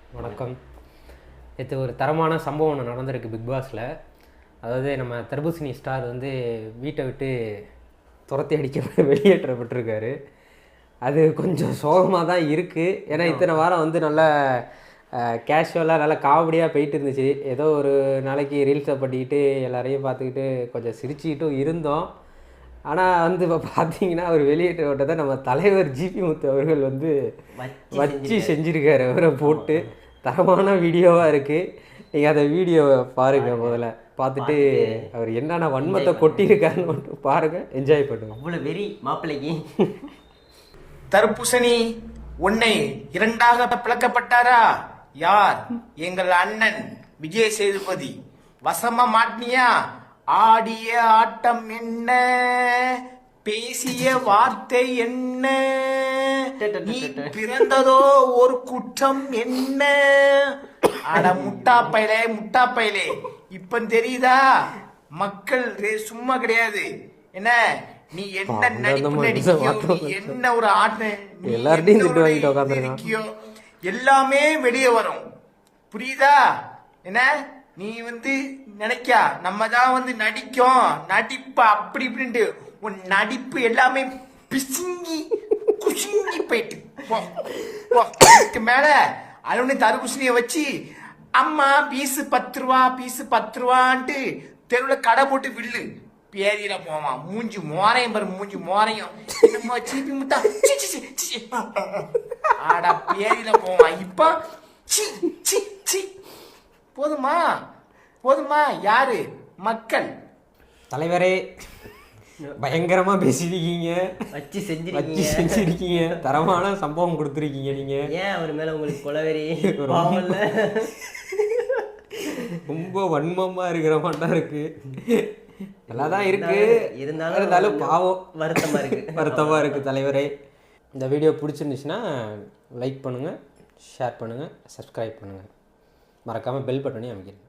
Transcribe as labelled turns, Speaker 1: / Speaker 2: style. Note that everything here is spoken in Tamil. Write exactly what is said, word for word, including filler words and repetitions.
Speaker 1: வணக்கம். இது ஒரு தரமான சம்பவம் ஒன்று நடந்திருக்கு பிக் பாஸில். அதாவது நம்ம தர்பூசணி ஸ்டார் வந்து வீட்டை விட்டு துரத்தி அடிக்க வெளியேற்றப்பட்டிருக்காரு. அது கொஞ்சம் சோகமாக தான் இருக்குது. ஏன்னா இத்தனை வாரம் வந்து நல்லா கேஷுவலாக நல்லா காமெடியாக போயிட்டு இருந்துச்சு. ஏதோ ஒரு நாளைக்கு ரீல்ஸை பண்ணிக்கிட்டு எல்லாரையும் பார்த்துக்கிட்டு கொஞ்சம் சிரிச்சுக்கிட்டும் இருந்தோம். ஆனால் வந்து இப்போ பார்த்தீங்கன்னா அவர் வெளியேற்ற விட்டதை நம்ம தலைவர் ஜிபி முத்து அவர்கள் வந்து வச்சு செஞ்சுருக்காரு. அவரை போட்டு தரமான வீடியோவாக இருக்குது. நீங்கள் அந்த வீடியோவை பாருங்கள். முதல்ல பார்த்துட்டு அவர் என்னென்ன வன்மத்தை கொட்டியிருக்காருன்னு மட்டும் பாருங்கள், என்ஜாய் பண்ணுங்க.
Speaker 2: அவ்வளோ வெறி மாப்பிள்ளைக்கு.
Speaker 3: தர்பூசணி உன்னை இரண்டாக பிளக்கப்பட்டாரா? யார்? எங்கள் அண்ணன் விஜய் சேதுபதி. வசமா மாட்டினியா? ஆடிய ஆட்டம் என்ன, பேசிய வார்த்தை என்ன, நீ பிறந்ததோ ஒரு குற்றம் என்ன. அட முட்டா பையலே முட்டா பையலே, இப்ப தெரியுதா? மக்கள் சும்மா கிடையாது. என்ன நீ என்ன நடிப்பு நடிக்கியோ, நீ என்ன ஒரு ஆட்டம் எல்லார்ட்டையும் எல்லாமே வெளியே வரும். புரியுதா? என்ன நீ வந்து நினைக்கா நம்ம தான் வந்து நடிக்கும் நடிப்பு அப்படி இப்படின்ட்டு உன் நடிப்பு எல்லாமே பிசுங்கி குசுங்கி போயிட்டு மேல அலுவலி தர்பூசணியை வச்சு அம்மா பீஸு பத்து ரூபா பீஸு பத்து ரூபான்ட்டு தெருவில் கடை போட்டு வில்லு பேரியில போவான். மூஞ்சி மோரையும் பாரு, மூஞ்சி மோரையும் சீப்பி முட்டா ஆடா பேரியில போவான். இப்ப சி சி சி போதுமா போதுமா? யாரு? மக்கள்.
Speaker 1: தலைவரே பயங்கரமா பேசிருக்கீங்க,
Speaker 2: வச்சு செஞ்சு
Speaker 1: வச்சு செஞ்சிருக்கீங்க, தரமான சம்பவம் கொடுத்துருக்கீங்க. நீங்க ஏன் அவர் மேல உங்களுக்கு கொலவெறி? ரொம்ப வன்மமா இருக்கிற மாட்டா இருக்கு. நல்லாதான் இருக்கு, இருந்தாலும் இருந்தாலும் பாவம் வருத்தமா இருக்கு வருத்தமா இருக்கு தலைவரே. இந்த வீடியோ பிடிச்சிருந்துச்சுன்னா லைக் பண்ணுங்க, ஷேர் பண்ணுங்க, சப்ஸ்கிரைப் பண்ணுங்க, மறக்காம பெல் பட்டனையும் அமைக்கிறேன்.